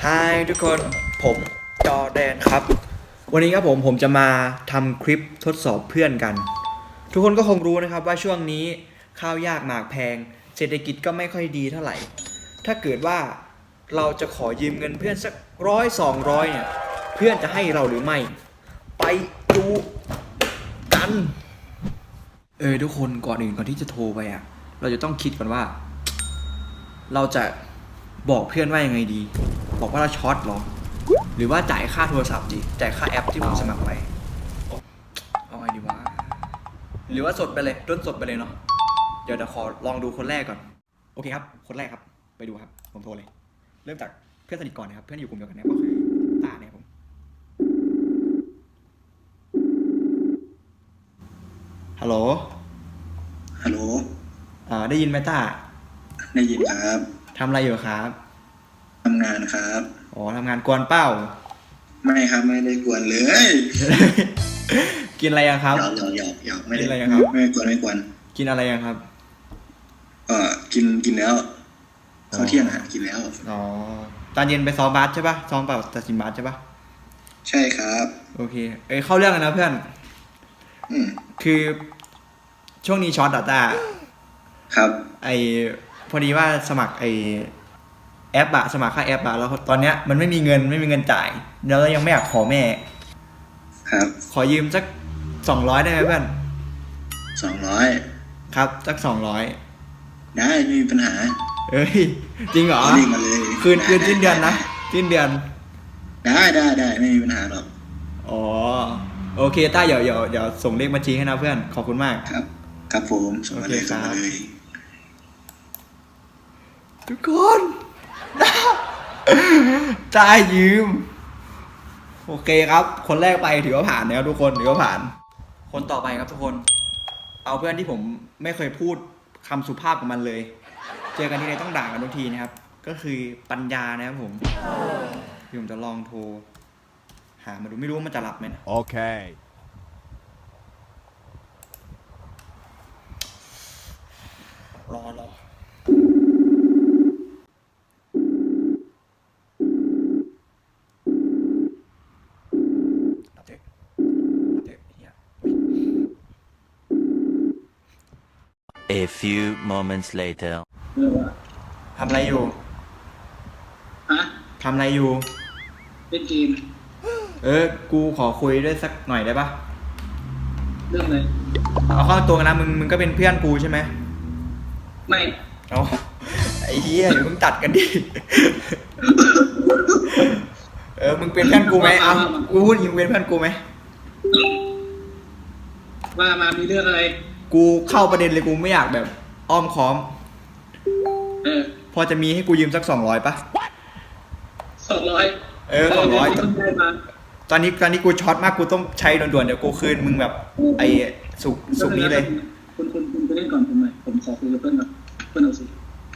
ฮายทุกคนผมจอแดนครับวันนี้ครับผมจะมาทำคลิปทดสอบเพื่อนกัน ทุกคนก็คงรู้นะครับว่าช่วงนี้ข้าวยากหมากแพงเศรษฐกิจก็ไม่ค่อยดีเท่าไหร่ถ้าเกิดว่าเราจะขอยืมเงินเพื่อนสัก100-200เนี่ยเพื่อนจะให้เราหรือไม่ไปดูกันทุกคนก่อนที่จะโทรไปเราจะต้องคิดก่อนว่าเราจะบอกเพื่อนว่ายังไงดีบอกว่าเราช็อตหรอหรือว่าจ่ายค่าโทรศัพท์ดีจ่ายค่าแอปที่ผมสมัครไว้เอาไงดีวะหรือว่าสดไปเลยต้นสดไปเลยเนาะเดี๋ยวขอลองดูคนแรกก่อนโอเคครับคนแรกครับไปดูครับผมโทรเลยเริ่มจากเพื่อนสนิทก่อนนะครับเพื่อนอยู่กลุ่มเดียวกันเนี่ยก็คือต้าเนี่ยผมฮัลโหลได้ยินไหมต้าได้ยินครับทำอะไรอยู่ครับทำงานครับอ๋อทำงานกวนเป้าไม่ครับไม่ได้กวนเลยกินอะไรครับหยอกไม่ได้อะไรครับไม่กวนกินอะไรครับกินแล้วข้าวเที่ยงกินแล้วอ๋อตอนเย็นไปซ้อมบาสใช่ปะซ้อมเปล่าตัดสินบาสใช่ปะใช่ครับโอเคเข้าเรื่องกันนะเพื่อนคือช่วงนี้ช็อตต้าครับพอดีว่าสมัครแอปสมัครค่าแอปแล้วตอนเนี้ยมันไม่มีเงินจ่ายแล้วยังไม่อยากขอแม่ครับขอยืมสัก200ได้ไหมเพื่อน 200 ครับสัก200 ได้ไม่มีปัญหาจริงเหรอคืนสิ้นเดือนนะสิ้นเดือนได้ไม่มีปัญหาหรอกอ๋อโอเคต้าเดี๋ยวส่งเลขบัญชีให้นะเพื่อนขอบคุณมากครับผมส่งมาเลยทุกคนจ่ายยืมโอเคครับคนแรกไปถือว่าผ่านแล้วทุกคนถือว่าผ่านคนต่อไปครับทุกคนเอาเพื่อนที่ผมไม่เคยพูดคำสุภาพกับมันเลยเจอกันที่ไหนต้องด่ากันทุกทีนะครับก็คือปัญญานะครับผมจะลองโทรหามาดูไม่รู้ว่ามันจะรับไหมนะโอเครอ A few moments later ทำอะไรอยู่ทำอะไรอยู่เล่นเกมกูขอคุยด้วยสักหน่อยได้ปะเรื่องอะไรเอาเข้าตัวกันนะมึงก็เป็นเพื่อนกูใช่ไหมไม่เอาไอ้เหี้ยเดี๋ยวมึงตัดกันดิมึงเป็นเพื่อนกูไหมเอากูพูดมึงเป็นเพื่อนกูไหมมามีเรื่องอะไรกูเข้าประเด็นเลยกูไม่อยากแบบอ้อมค้อมพอจะมีให้กูยืมสัก200ปะ 200 200ตอนนี้กูช็อตมากกูต้องใช้ด่วนๆเดี๋ยวกูคืนมึงแบบสุกนี้เลยคุณไปเล่นก่อนผมขอคุยกับเพื่อนก่อนเพื่อนเอาสิ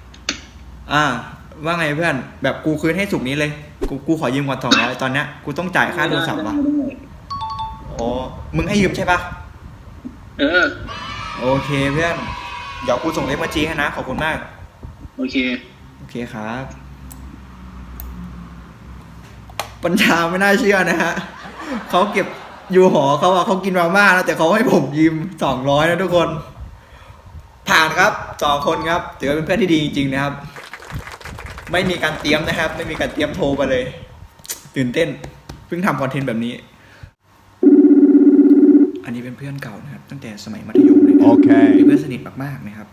ว่าไงเพื่อนแบบกูคืนให้สุกนี้เลยกูขอยืมก่อน200ตอนเนี้ยกูต้องจ่ายค่าโทรศัพท์ว่ะอ๋อมึงให้ยืมใช่ปะโอเคเพื่อนเดี๋ยวกูส่งเลขบัญชีให้นะขอบคุณมากโอเคครับปัญญาไม่น่าเชื่อนะฮะเขาเก็บอยู่หอเขากินมาม่าแล้วแต่เขาให้ผมยืม200นะทุกคนผ่านครับ2คนครับถือว่าเป็นเพื่อนที่ดีจริงๆนะครับไม่มีการเตรียมนะครับไม่มีการเตรียมโทรไปเลยตื่นเต้นเพิ่งทำคอนเทนต์แบบนี้อันนี้เป็นเพื่อนเก่านะครับตั้งแต่สมัยมัธยมเลยนะเป็นเพื่อนสนิทมากๆนะครับ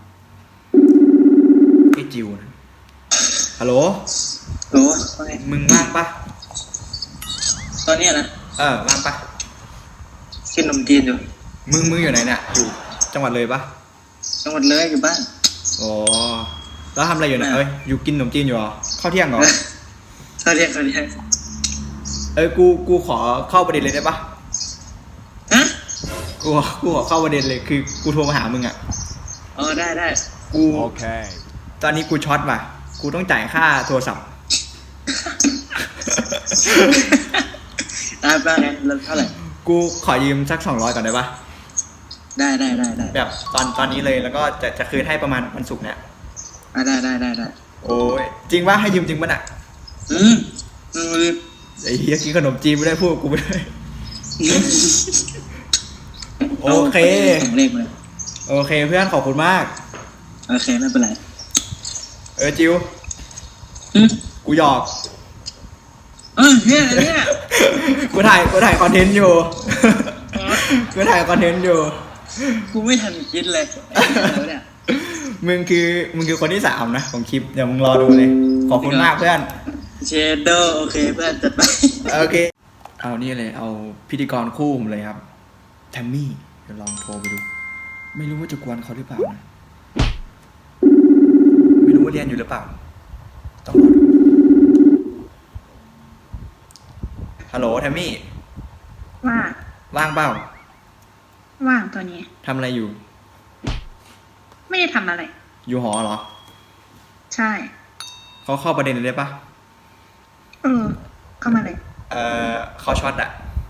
จิวนะฮัลโหลมึงว่างปะตอนนี้นะว่างปะกินขนมจีนอยู่มึงอยู่ไหนเนี่ยอยู่จังหวัดเลยปะจังหวัดเลยอยู่บ้านอ๋อแล้วทำอะไรอยู่เนี่ยอยู่กินขนมจีนอยู่เหรอข้าวเที่ยงเหรอข้าวเที่ยงกูขอเข้าประเด็นเลยได้ปะกูขอเข้าประเด็นเลยคือกูโทรมาหามึงได้กูโอเคตอนนี้กูช็อตว่ะกูต้องจ่ายค่าโทรศัพท์ได้ป่ะเนี่ยเท่าไหร่กูขอยืมสัก200ก่อนได้ปะได้แบบตอนนี้เลยแล้วก็จะคืนให้ประมาณวันศุกร์เนี่ยได้โอ้ยจริงว่าให้ยืมจริงป่ะน่ะอยากกินขนมจีนไม่ได้พูดกับกูไม่ได้ โอเคส่งเลขมาเลยโอเคเพื่อนขอบคุณมากโอเคไม่เป็นไรจิวอืมกูหยอกเนี่ยเนี่ยกูถ่ายคอนเทนต์อยู่ กูถ่ายคอนเทนต์อยู่กูไม่ทันคิดเลยแล้วเนี่ยมึงคือคนที่สามนะของคลิปเดี๋ยวมึงรอดูเลย ขอบคุณมากเพื่อนเชดโดโอเคเพื่อนจัดไปโอเค เอานี่เลย เอาพิธีกรคู่ผมเลยครับ แทมมี่ เดี๋ยวลองโทรไปดู ไม่รู้ว่าจะกวนเขาหรือเปล่านะ ไม่รู้ว่าเรียนอยู่หรือเปล่า ต้องรอดู ฮัลโหลแทมมี่ว่าว่างเปล่าว่างตัวนี้ทำอะไรอยู่ไม่ได้ทำอะไรอยู่หอเหรอใช่เขาเข้าประเด็นเลยได้ปะเข้ามาเลยเขาช็อตอะ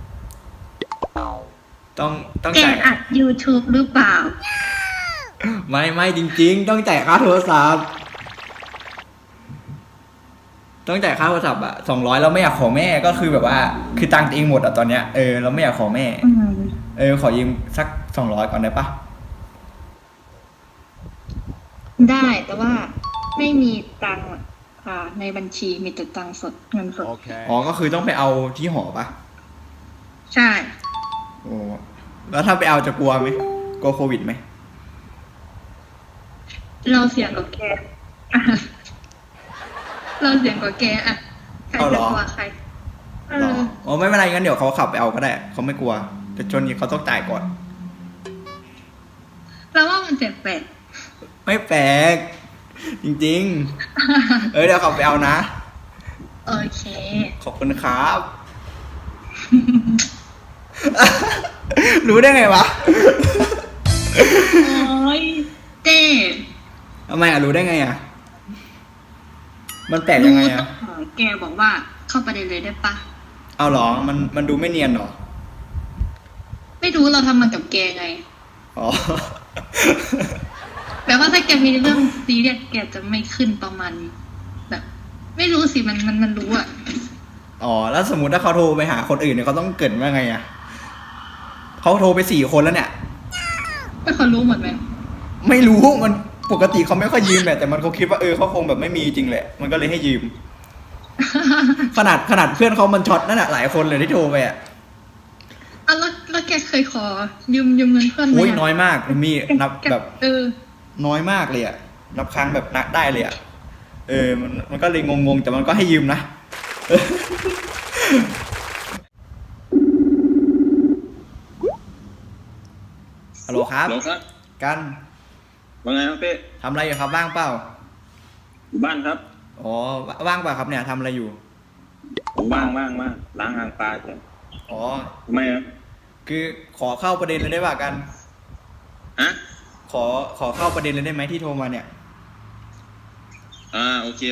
ต้องแกจ่ายอัด YouTube หรือเปล่าไม่จริงๆ ต้องจ่ายค่าโทรศัพท์ ต้องจ่ายค่าโทรศัพท์อะ200เราไม่อยากขอแม่ก็คือแบบว่า คือตังค์ตัวเองหมดอะตอนเนี้ยเราไม่อยากขอแม่ ขอยืมสัก200ก่อนได้ปะได้แต่ว่าไม่มีตังค์ในบัญชีมีแต่ตังค์สดเงินสดอ๋อก็คือต้องไปเอาที่หอปะใช่โอ้แล้วถ้าไปเอาจะกลัวไหมกลัวโควิดไหมเราเสี่ยงกับแกอ่ะเราเสี่ยงกับแกอ่ะใครจะกลัวใครหรออ๋อไม่เป็นไรงั้นเดี๋ยวเขาขับไปเอาก็ได้เขาไม่กลัวแต่จนนี้เขาต้องจ่ายก่อนเราว่ามันแปลกไม่แปลกจริงๆ เดี๋ยวขับไปเอานะๆโอเคขอบคุณครับ รู้ได้ไงวะโอ้ยเต้ทำไมรู้ได้ไงมันแปลกยังไงต้องขอแกบอกว่าเข้าประเด็นเลยได้ปะเอาเหรอมันดูไม่เนียนเหรอไม่รู้เราทำมันกับแกไงอ๋อแปลว่าถ้าแกมีเรื่องซีเรียสแกจะไม่ขึ้นประมาณแบบ ไม่รู้สิมันรู้อ่ะอ๋อแล้วสมมติถ้าเขาโทรไปหาคนอื่นเนี่ยเขาต้องเกริดว่าไงเขาโทรไป4 คนแล้วเนี่ยไม่เขารู้หมดไหมไม่รู้มันปกติเขาไม่ค่อยยืมแหละแต่มันเขาคิดว่าเขาคงแบบไม่มีจริงแหละมันก็เลยให้ยืม ขนาดเพื่อนเขามันช็อตนั่นแหละหลายคนเลยที่โทรไปแล้วแกเคยขอยืมเงินเพื่อนไหมโอ้ยน้อยมากมีนับแกแบบ น้อยมากเลยนับครั้งแบบนับได้เลยมันก็เลยงงๆแต่มันก็ให้ยืมนะ ฮัลโหลครับหรอครับกันว่าไงครับเป้ทำอะไรอยู่ครับว่างเปล่าอยู่บ้านครับอ๋อว่างเปล่าครับเนี่ยทำอะไรอยู่ผมว่างล้างหางปลาจ้ะอ๋อทำไมอ่ะคือขอเข้าประเด็นเลยได้ป่ะกันฮะขอเข้าประเด็นเลยได้ไหมที่โทรมาเนี่ยโอเค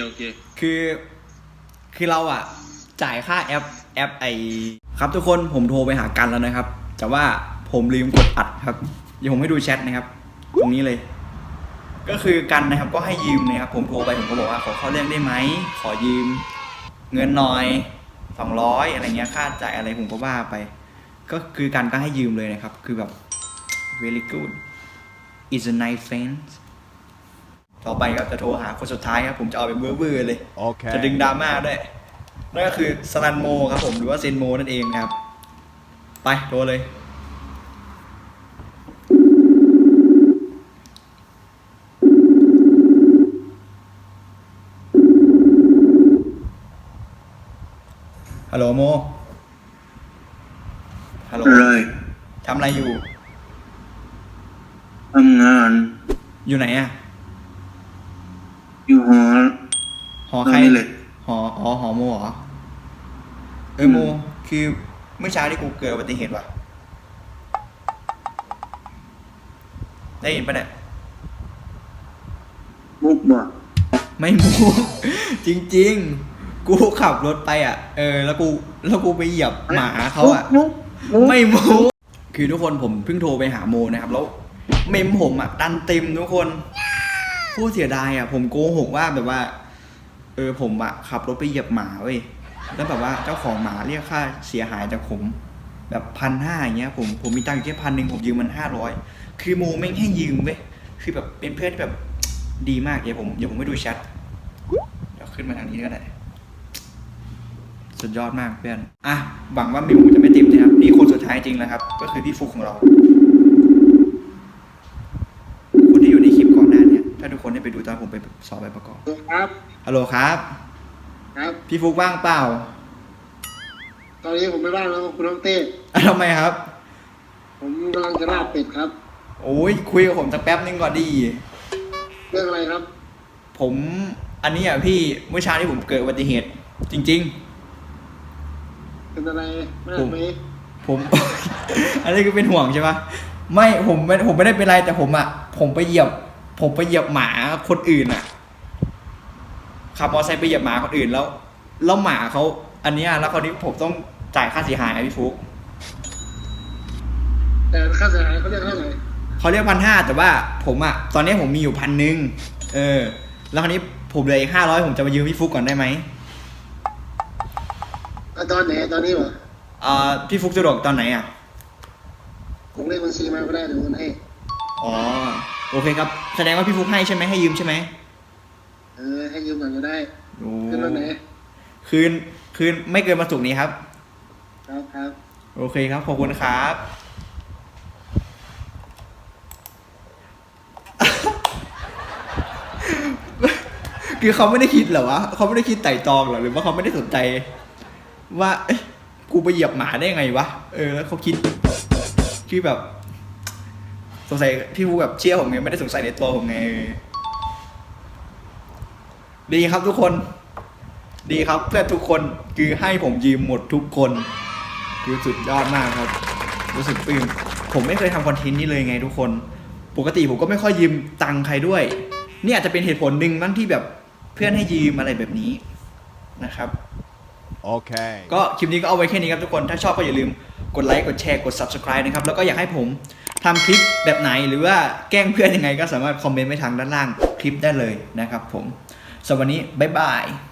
คือเราจ่ายค่าแอปครับทุกคนผมโทรไปหากันแล้วนะครับ แต่ว่าผมลืมกดอัดครับเดี๋ยวผมให้ดูแชทนะครับ ตรงนี้เลย ก็คือกันนะครับก็ให้ยืมนะครับผมโทรไปผมก็บอกว่าขอเข้าเรื่องได้ไหมขอยืมเงินหน่อย200อะไรเงี้ยค่าจ่ายอะไรผมก็ว่าไป ก็คือกันก็ให้ยืมเลยนะครับคือแบบ very good is a nice friend ต่อไปครับจะโทรหาคนสุดท้ายครับผมจะเอาไปเบื่อเลย จะดึงดราม่าด้วยนั่นก็คือสลันโมครับผมหรือว่าเซนโมนั่นเองนะครับไปโทรเลยฮัลโหลโมฮัลโหลอะไรทำอะไรอยู่ทำงานอยู่ไหนอยู่หอหอใครนี่เลยหอโมเหรอโมคือเมื่อเช้าที่กูเกิดอุบัติเหตุว่ะได้ยินปะเนี่ยมุกบ่ไม่มู จริงๆ กูขับรถไปแล้วกูไปเหยียบหมาเขาไม่มูคือทุกคนผมเพิ่งโทรไปหาโมนะครับแล้วเมมผมดันเต็มทุกคนผู้เสียดายผมโกหกว่าแบบว่าผมขับรถไปเหยียบหมาเว้ยแล้วแบบว่าเจ้าของหมาเรียกค่าเสียหายจากผมแบบ1,500อย่างเงี้ยผมมีตังค์อยู่แค่1,000ผมยืมมัน500คือโมไม่งให้ยืมเว้ยคือแบบเป็นเพื่อนที่แบบดีมากเดี๋ยวผมไม่ดูแชทเดี๋ยวขึ้นมาทางนี้ก็ได้สุดยอดมากเพื่อนอ่ะหวังว่ามิวจะไม่ติดนะครับนี่คนสุดท้ายจริงแล้วครับก็คือพี่ฟุกของเราคนที่อยู่ในคลิปก่อนหน้าเนี่ยถ้าทุกคนได้ไปดูตอนผมไปสอบใบประกอบครับฮัลโหลครับครับพี่ฟุกว่างเปล่าตอนนี้ผมไม่ว่างแล้วคุณน้องเต้ทำไมครับผมกำลังจะลาบเป็ดครับโอ้ยคุยกับผมสักแป๊บนึงก่อนดีเรื่องอะไรครับผมอันนี้อ่ะพี่เมื่อเช้านี้ผมเกิดอุบัติเหตุ จริงเป็นอะไรมากไหมๆ ผม อันนี้คือเป็นห่วงใช่ปะไม่ผมไม่ได้เป็นไรแต่ผมไปเหยียบหมาคนอื่นอ่ะขับมอเตอร์ไซค์ไปเหยียบหมาคนอื่นแล้วหมาเขาอันเนี้ยแล้วคราวนี้ผมต้องจ่ายค่าเสียหายอะพี่ฟุกแต่ค่าเสียหายเขาเรียกเท่าไหร่เขาเรียก1,500แต่ว่าผมอ่ะตอนนี้ผมมีอยู่1,000แล้วคราวนี้ผมเหลืออีก500ผมจะมายืมพี่ฟุกก่อนได้ไหมตอนไหนตอนนี้เหรอพี่ฟุกสะดวกตอนไหนอ่ะผมเลขบัญชีมาก็ได้เดี๋ยวโอนให้อ๋อโอเคครับแสดงว่าพี่ฟุกให้ใช่ไหมให้ยืมใช่ไหมให้ยืมก่อนก็ได้โอ้ขึ้นวันไหนคืนไม่เกินวันศุกร์นี้ครับครับครับโอเคครับขอบคุณครับ คือเขาไม่ได้คิดเหรอวะเขาไม่ได้คิดไต่ตรองเหรอหรือว่าเขาไม่ได้สนใจ ว่าเอ๊ะกูไปเหยียบหมาได้ไงวะแล้วเขาคิดคือแบบสงสัยพี่ฟูแบบเชื่อผมไงไม่ได้สงสัยในตัวผมไงดีครับทุกคน ดีครับเพื่อนทุกคนคือให้ผมยืมหมดทุกคนคือสุดยอดมากครับ รู้สึกปลื้มผมไม่เคยทำคอนเทนต์นี้เลยไงทุกคนปกติผมก็ไม่ค่อยยืมตังค์ใครด้วยนี่อาจจะเป็นเหตุผลหนึ่งบ้างที่แบบเพื่อนให้ยืมอะไรแบบนี้นะครับ Okay. ก็คลิปนี้ก็เอาไว้แค่นี้ครับทุกคนถ้าชอบก็อย่าลืมกดไลค์กดแชร์กด subscribe นะครับแล้วก็อยากให้ผมทำคลิปแบบไหนหรือว่าแกล้งเพื่อนยังไงก็สามารถคอมเมนต์ไว้ทางด้านล่างคลิปได้เลยนะครับผมสำหรับวันนี้บ๊ายบาย